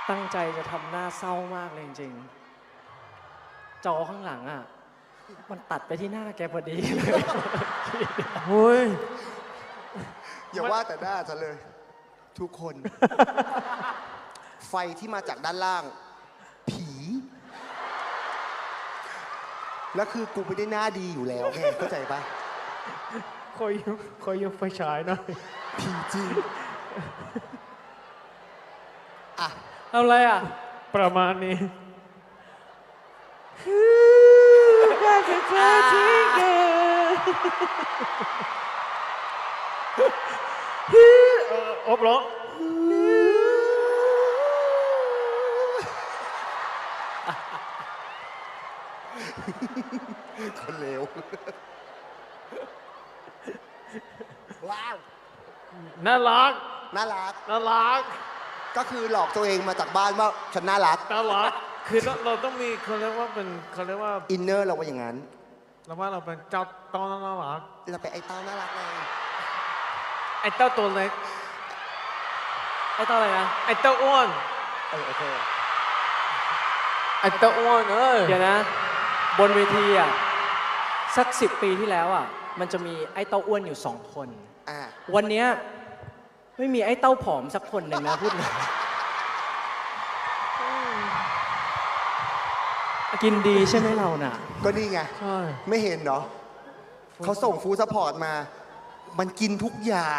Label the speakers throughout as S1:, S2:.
S1: ตั้งใจจะทำหน้าเศร้ามากเลยจริงๆจอข้างหลังอ่ะมันตัดไปที่หน้าแกพอดีเลย
S2: เฮ้ย
S3: อย่าว่าแต่หน้าฉันเลย ทุกคน ไฟที่มาจากด้านล่าง ผี แล้วคือกูไม่ได้หน้าดีอยู่แล้วไงเข้าใจปะ
S2: คอยยกไฟฉายหน่อย
S3: ผีจริง อ่ะ
S1: ทำอะไรอ่ะ
S2: ประมาณนี้ อบร้อง
S3: คนเลว ว้าว
S2: น่ารัก
S3: น่ารัก
S2: น่ารัก
S3: ก็คือหลอกตัวเองมาจากบ้านว่าฉันน่ารัก
S2: น่ารัก คือเราต้องมีเขาเรียกว่าเป็นเขาเรียกว่า
S3: อินเนอร์เราว่าอย่างนั้น
S2: เราว่าเราเป็นเจ้าต้องน่ารัก
S3: เราไปไอ้เต้าน่ารักไง
S2: ไอ้เต้าตัวเล็ก
S1: ไอ้ตอนอะไรนะ
S2: ไอ้เต้าอ้วน
S3: โอเค
S2: ไอ้เต้าอ้วน
S1: เดี๋ยวนะ บนเวทีอ่ะสัก10 ปีที่แล้วอ่ะมันจะมีไอ้เต้าอ้วนอยู่2 คน
S3: อ่า
S1: วันเนี้ยไม่มีไอ้เต้าผอมสักคนหนึ่งนะพูดเลยกินดีใช่ไหมเราน่ะ
S3: ก็นี่ไง
S2: ใช่
S3: ไม่เห็นเนาะเขาส่งฟู้ดซัพพอร์ตมา มันกินทุกอย่าง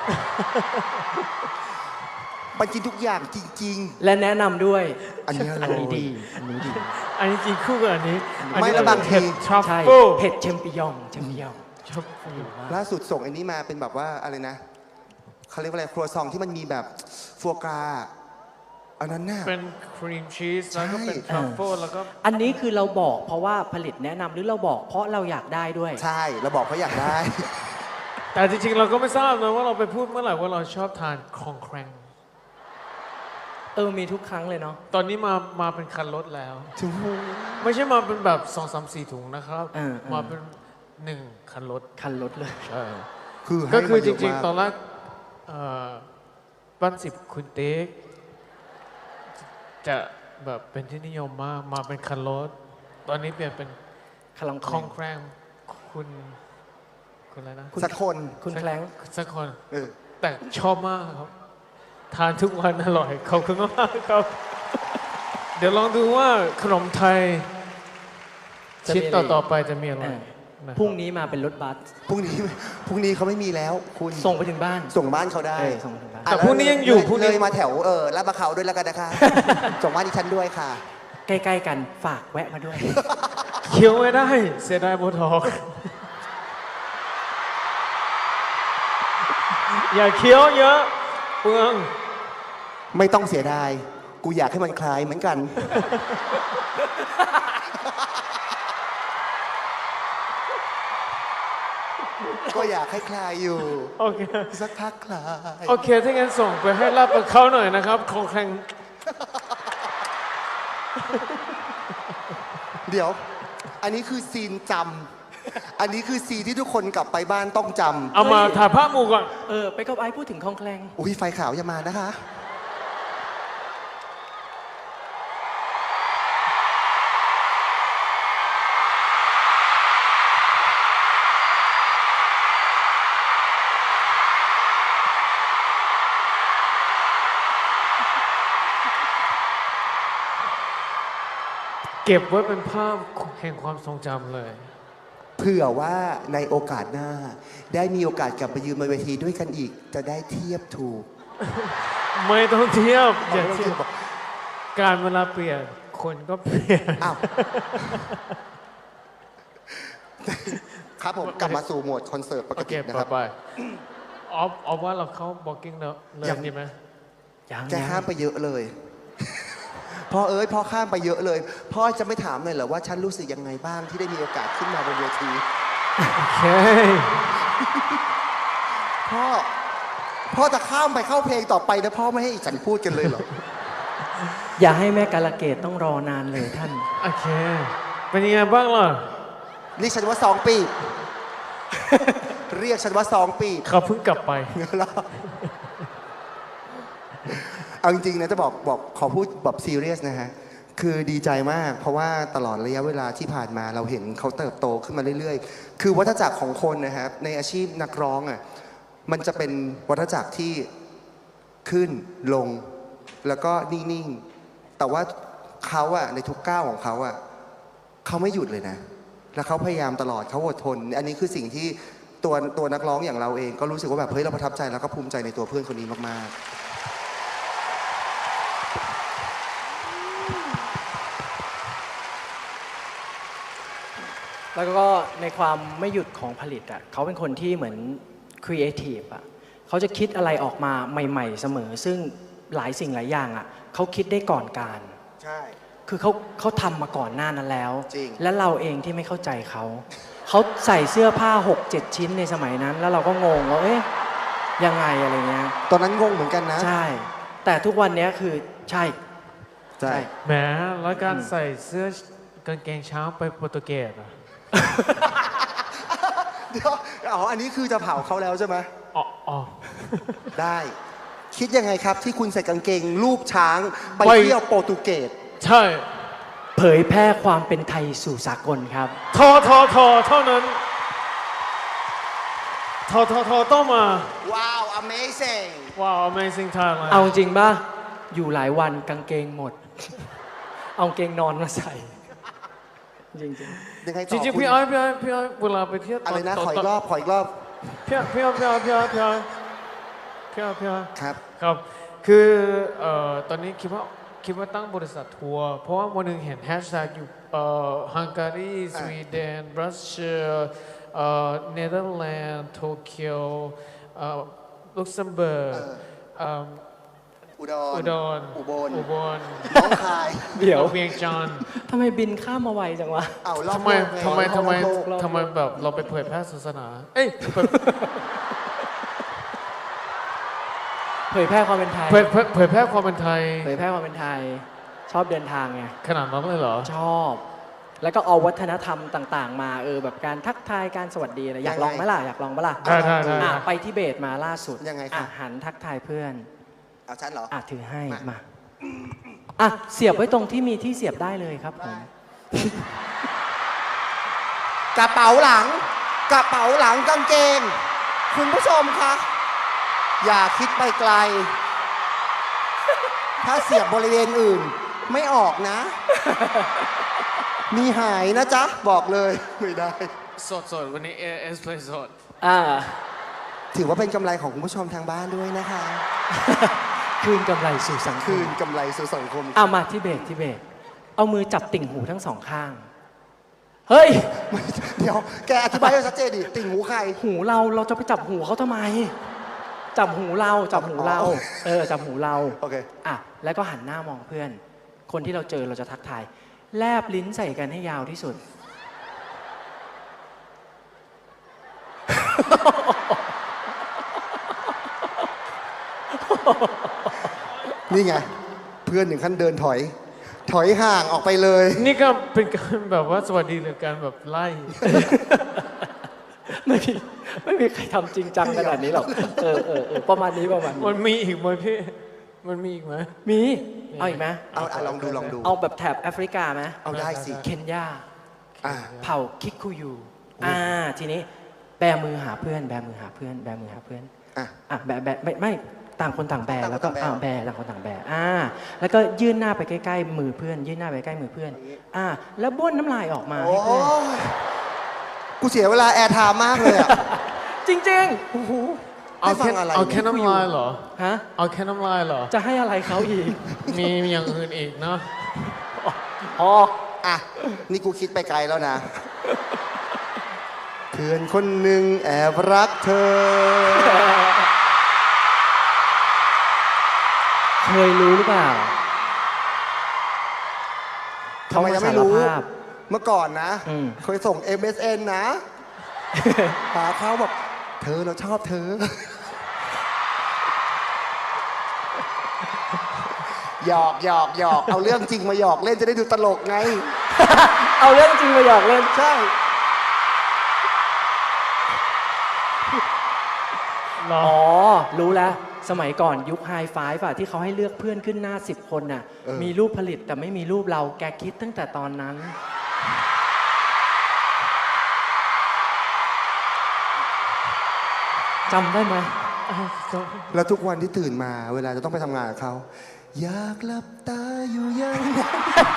S3: มันกินทุกอย่างจริง
S1: และแนะนำด้วย
S3: ๆ อันนี้
S1: อันนี้ดี อันนี้ดี
S2: อันนี้กินคู่กับอันนี้
S3: ไม่แล้วบางที
S2: ทรัฟ
S1: ใช่
S2: เฟิล
S1: เผ็ดเชมปิยองเชมปิยอง
S2: ทรัฟเฟิล
S3: ล่าสุดส่งอันนี้มาเป็นแบบว่าอะไรนะเขาเรียกว่าอะไรครัวซองที่มันมีแบบฟัวกราอันนั้นน่ะ
S2: เป็นครีมชีสแล้วก็เป็น
S3: ใช่
S2: ทรัฟเฟิลแล้วก็
S1: อันนี้คือเราบอกเพราะว่าผลิตแนะนำหรือเราบอกเพราะเราอยากได้ด้วย
S3: ใช่เราบอกเขาอยากได้
S2: แต่จริงๆ เราก็ไม่ทราบนะว่าเราไปพูดเมื่อไหร่ว่าเราชอบทานคองแครง
S1: มีทุกครั้งเลยเนาะ
S2: ตอนนี้มาเป็นคันรถแล้ว
S3: ถึงหู
S2: ไม่ใช่มาเป็นแบบ2 3 4 ถุงนะครับ มาเป็น1 คันรถ
S1: คันรถเลย
S2: ใช่
S3: คือให้
S2: ก็คือ
S3: มา
S2: จ
S3: เยะ
S2: ริง
S3: มาก
S2: ๆ ตอนแรกบ้าน10คุณเต๊กจะแบบเป็นที่นิยมมากมาเป็นคันรถ ตอนนี้เปลี่ยนเป็น
S1: คลัง
S2: คองแครงคุณอะไรนะ
S3: สักคน
S1: คุณแคลง
S2: สักคน
S3: เออ
S2: แต่ชอบมากครับ ทานทุกวันอร่อย ขอบคุณมากครับ เดี๋ยวลองดูว่าขนมไทย ชิ้นต่อๆไปจะมีอะไรนะครับ
S1: พรุ่งนี้มาเป็นรถบัส
S3: พรุ่งนี้เขาไม่มีแล้ว คุณ
S1: ส่งไปถึงบ้าน
S3: ส่งบ้านเขาได้
S1: ส่งไปถึงบ้าน
S2: แต่พรุ่งนี้ยังอยู่พรุ่งนี้
S3: เลยมาแถวลาดประเขาด้วยแล้วกันนะคะ ส่งบ้านดิฉันด้วยค่ะ
S1: ใกล้ๆกันฝากแวะมาด้วย
S2: เคี้ยวไม่ได้ เสียดายโบทอกซ์อย่าเคี้ยวเยอะเปลือง
S3: ไม่ต้องเสียดาย กูอยากให้มันคลายเหมือนกัน ก็อยากให้คลายอยู่
S2: โอเค
S3: สักพักคลาย
S2: โอเค ถ้างั้นส่งไปให้ลาบประเขาหน่อยนะครับ ของแข่ง
S3: เดี๋ยว อันนี้คือซีนจำ อันนี้คือซีนที่ทุกคนกลับไปบ้านต้องจำ
S2: เอามาถ่ายภาพหมู่ก่อน
S1: ไปกับไอ้พูดถึงคลองแคลง
S3: อุ้ยไฟขาวอย่ามานะคะ
S2: เก็บไว้เป็นภาพแห่งความทรงจำเลย
S3: เผื่อว่าในโอกาสหน้า ได้มีโอกาสกลับไปยืนบนเวทีด้วยกันอีก จะได้เทียบถูก
S2: ไม่ต้องเทียบ อย่า
S3: ไม่ต้อง
S2: เที
S3: เที
S2: ย
S3: ย
S2: บบ
S3: บอก
S2: การเวลาเปลี่ยน คนก็เปลี่ยน
S3: อ้าว ครับผมกลับมาสู่โหมดคอนเสิร์ตปก
S2: โอเค
S3: ตินะ
S2: ต่
S3: ค
S2: อ
S3: รับ
S2: ไปออฟว่าเราเข้าบล็อกกิ้งเลย
S3: ยัง
S2: ดีไหม
S3: แกข้ามไปเยอะเลย พ่อเอ้ยพ่อข้ามไปเยอะเลย พ่อจะไม่ถามเลยเหรอว่าฉันรู้สึกยังไงบ้างที่ได้มีโอกาสขึ้นมาบนเวที
S2: โอเค
S3: พ่อจะข้ามไปเข้าเพลงต่อไปแล้วพ่อไม่ให้ฉันพูดกันเลยเหรอ
S1: อย่าให้แม่กาลเกตต้องรอนานเลยท่าน
S2: โอเค เป็นยังไงบ้างล่ะ
S3: เรียกฉันว่า2 ปี เรียกฉันว่า2 ปี
S2: เขาเพิ่งกลับไป
S3: เอาจริงๆนะจะบอกขอพูดแบบซีเรียสนะฮะคือดีใจมากเพราะว่าตลอดระยะเวลาที่ผ่านมาเราเห็นเขาเติบโตขึ้นมาเรื่อยๆคือวัฏจักรของคนนะครับในอาชีพนักร้องอ่ะมันจะเป็นวัฏจักรที่ขึ้นลงแล้วก็นิ่งๆแต่ว่าเขาอะในทุกก้าวของเขาอะเขาไม่หยุดเลยนะแล้วเขาพยายามตลอดเขาอดทนอันนี้คือสิ่งที่ตัวนักร้องอย่างเราเองก็รู้สึกว่าแบบเฮ้ยเราประทับใจแล้วก็ภูมิใจในตัวเพื่อนคนนี้มากๆ
S1: แล้วก็ในความไม่หยุดของผลิตอ่ะเขาเป็นคนที่เหมือนครีเอทีฟอ่ะเขาจะคิดอะไรออกมาใหม่ๆเสมอซึ่งหลายสิ่งหลายอย่างอ่ะเขาคิดได้ก่อนการ
S3: ใช่
S1: คือเขาทำมาก่อนหน้านั้นแล้ว
S3: จริง
S1: และเราเองที่ไม่เข้าใจเขาใส่เสื้อผ้า 6-7 ชิ้นในสมัยนั้น แล้วเราก็งงว่าเอ๊ะยังไงอะไรเงี้ย
S3: ตอนนั้นงงเหมือนกันนะ
S1: ใช่ แต่ทุกวันนี้คือใช่
S3: ใช่
S2: แหมแล้วการใส่เสื้อกางเกงช้างไปโปรตุเกสอ่ะ
S3: เดี๋ยวอันนี้คือจะเผาเขาแล้วใช่ไหม
S2: อ๋อ
S3: ได้ คิดยังไงครับที่คุณใส่กางเกงรูปช้างไป
S2: ไป
S3: เที่ยวโปรตุเกส
S2: ใช่
S1: เผยแพร่ความเป็นไทยสู่สากลครับ
S2: ทเท่านั้นทต้องมา
S3: ว้าว amazing
S2: ว้าว Amazing Thailand
S1: เอาจริงป่ะ อยู่หลายวันกางเกงหมด เอากางเกงนอนมาใส่ จริง
S3: ยังไง
S2: จ
S3: ต่อ
S2: ริงๆ
S3: คุณ
S2: พี่อ้อยเวลาไปเที่ยว
S3: อะไรนะ ขออีกรอบ ขออีกรอบ
S2: พี่อ้อย
S3: ครับ
S2: ครับ คือตอนนี้คิดว่าตั้งบริษัททัวร์ เพราะว่าวันหนึ่งเห็นแฮชแท็กอยู่ฮังการีสวีเดนบรัสเซียเนเธอร์แลนด์โตเกียวลุกเซมเบิร์ก
S3: อุดร อุบล น้องคาย
S1: ๆ เดี๋ยว
S2: เวียงจันทร์
S1: ทำไมบินข้ามมาไวจังวะ
S3: เอารอบ
S2: ทำไม
S3: โลกไง
S2: ทำไม
S3: รอบโลก
S2: ทำไมแบบเราไปเผยแพร่ศาสนา เอ้ย
S1: เผยแพร่ความเป็นไทย
S2: เผยแพร่ความเป็นไทย
S1: เผยแพร่ความเป็นไทย ชอบเดินทางไง
S2: ขนาดนั้นเลยเหรอ
S1: ชอบ แล้วก็เอาวัฒนธรรมต่างๆ มาแบบการทักทายการสวัสดีอะไรอยากลองไหมล่ะอยากลองปะล่ะ
S2: ได้
S1: ไปที่เบตมาล่าสุด
S3: ยังไงครับ
S1: หันทักทายเพื่อน
S3: เอาฉันเหรอ
S1: ถือให้
S3: มา
S1: มาเสียบไว้ตรงที่มีที่เสียบได้เลยครับผม
S3: กระเป๋าหลังกางเกง คุณผู้ชมคะอย่าคิดไปไกล ถ้าเสียบบริเวณอื่น ไม่ออกนะ มีหายนะจ๊ะ บอกเลย ไม่ได้
S2: สดวันนี้ AS Play สด
S3: ถือว่าเป็นกำไรของคุณผู้ชมทางบ้านด้วยนะคะ
S1: คืนกำไรสู่สังค
S3: คื
S1: ม
S3: นกำไรสู่สังคม
S1: มาที่เบตเอามือจับติ่งหูทั้งสองข้าง เฮ้ย
S3: เดี๋ยว แกอธิบายให้ชัดเจนดิ ติ่งหูใคร
S1: หูเราจะไปจับหูเขาทำไม จับหูเราจับหูเรา
S3: อ๋อ
S1: จับหูเรา
S3: โอเค
S1: แล้วก็หันหน้ามองเพื่อน คนที่เราเจอเราจะทักทาย แลบลิ้นใส่กันให้ยาวที่สุด
S3: นี่ไง เพื่อนถึงขั้นเดินถอยห่างออกไปเลย
S2: นี่ก็เป็นการแบบว่าสวัสดีหรือการแบบไล่
S1: ไม่มีใครทำจริงจังขนาดนี้หรอกประมาณนี้
S2: มันมีอีกไหมพี่ มันมีอีกไหม
S1: มีเอาอีกไหม
S3: เอาลองดู
S1: เอาแบบแถบแอฟริกาไหม
S3: เอาได้สิ
S1: เคนยา
S3: อ่า
S1: เผ่าคิคุยูทีนี้แบมือหาเพื่อนแบมือหาเพื่อนแบมือหาเพื่อน แบไม่ต่างคนต่างแบแล้วก็
S3: ต่างคนต่างแบ
S1: ต่างคนต่างแบแล้วก็ยื่นหน้าไปใกล้ๆมือเพื่อน ยื่นหน้าไปใกล้มือเพื่อนแล้วบ้วนน้ำลายออกมา
S3: โอ้
S1: ให้เพื่อน
S3: กูเสียเวลาแอร์ไทม์มากเลยอ่ะ
S1: จริง
S3: โอ้โห
S2: เอา
S3: ให้ฟั
S2: แค่
S3: งอะไร
S2: เอาแค่น้ำลายเหรอ
S1: ๆฮะ
S2: เอาแค่น้ำลายเหรอ
S1: จะให้อะไรเขาอีก
S2: มีอย่างอื่นอีกเนาะ
S3: อ่ะ นี่กูคิดไปไกลแล้วนะ เพื่อนคนหนึ่งแอบรักเธอ
S1: เคยรู้หรือเปล่า
S3: ทำไมยังไม่รู้
S1: เขาาสาภาพ
S3: เมื่อก่อนนะ
S1: อืม
S3: เคยส่ง MSN นะ หาเขาแบบเธอเราชอบเธอ หยอกเอาเรื่องจริงมาหยอกเล่นจะได้ดูตลกไง
S1: เอาเรื่องจริงมาหยอกเล่น
S3: ใช่
S2: มหรอ
S1: อ๋อ รู้แล้ว สมัยก่อนยุคไฮไฟฟ์อะที่เขาให้เลือกเพื่อนขึ้นหน้า 10 คนน่ะ มีรูปผลิตแต่ไม่มีรูปเราแกคิดตั้งแต่ตอนนั้น จำได้ไหม
S3: แล้วทุกวันที่ตื่นมาเวลาจะต้องไปทำงานกับเขาอยากหลับตาอยู่อย่างนั้น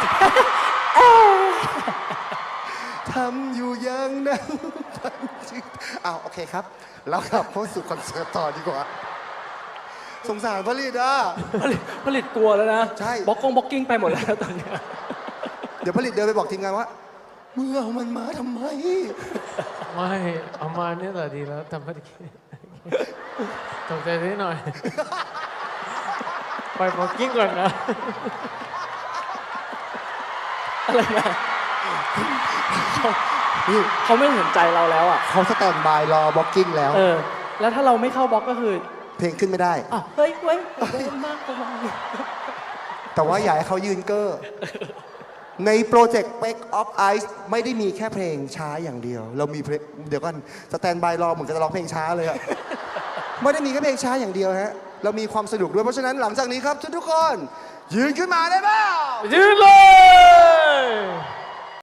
S3: ทำอยู่อย่างนั้นอ้าวโอเคครับ แล้วกลับเข้าสู่คอนเสิร์ตต่อดีกว่า สงสารผลิตอ่ะ
S1: ผลิตกลัวแล้วนะ
S3: ใช่
S1: บล็อกกิ้งไปหมดแล้วตอนเนี้ย
S3: เดี๋ยวผลิตเดินไปบอกทีมงานว่าเมื่อเอามันมาทำไม
S2: ไม่เอามาเนี่ยแหละดีแล้วทำไม่ได้ตกใจนิดหน่อย ไปบอกกิ้งก่อนนะ
S1: อะไรนะเขาไม่สนใจเราแล้วอ่ะ
S3: เขาสแตนบายรอบล็อกกิ้งแล้ว
S1: แล้วถ้าเราไม่เข้าบล็อกก็คือ
S3: เพลงขึ้นไม่ได้
S1: อ่ะเฮ้ยเว้ยเว้ยมากกว่า
S3: แต่ว่าอยากให้เขายืนเกอร์ในโปรเจกต์ Break of Ice ไม่ได้มีแค่เพลงช้าอย่างเดียว เรามีเพลงเดี๋ยวก่อนสแตนบายรอเหมือนจะร้องเพลงช้าเลยอะ ไม่ได้มีแค่เพลงช้าอย่างเดียวฮะ เรามีความสนุกด้วย เพราะฉะนั้นหลังจากนี้ครับทุกคน ยืนขึ้นมาได้เปล่า
S2: ยืนเลย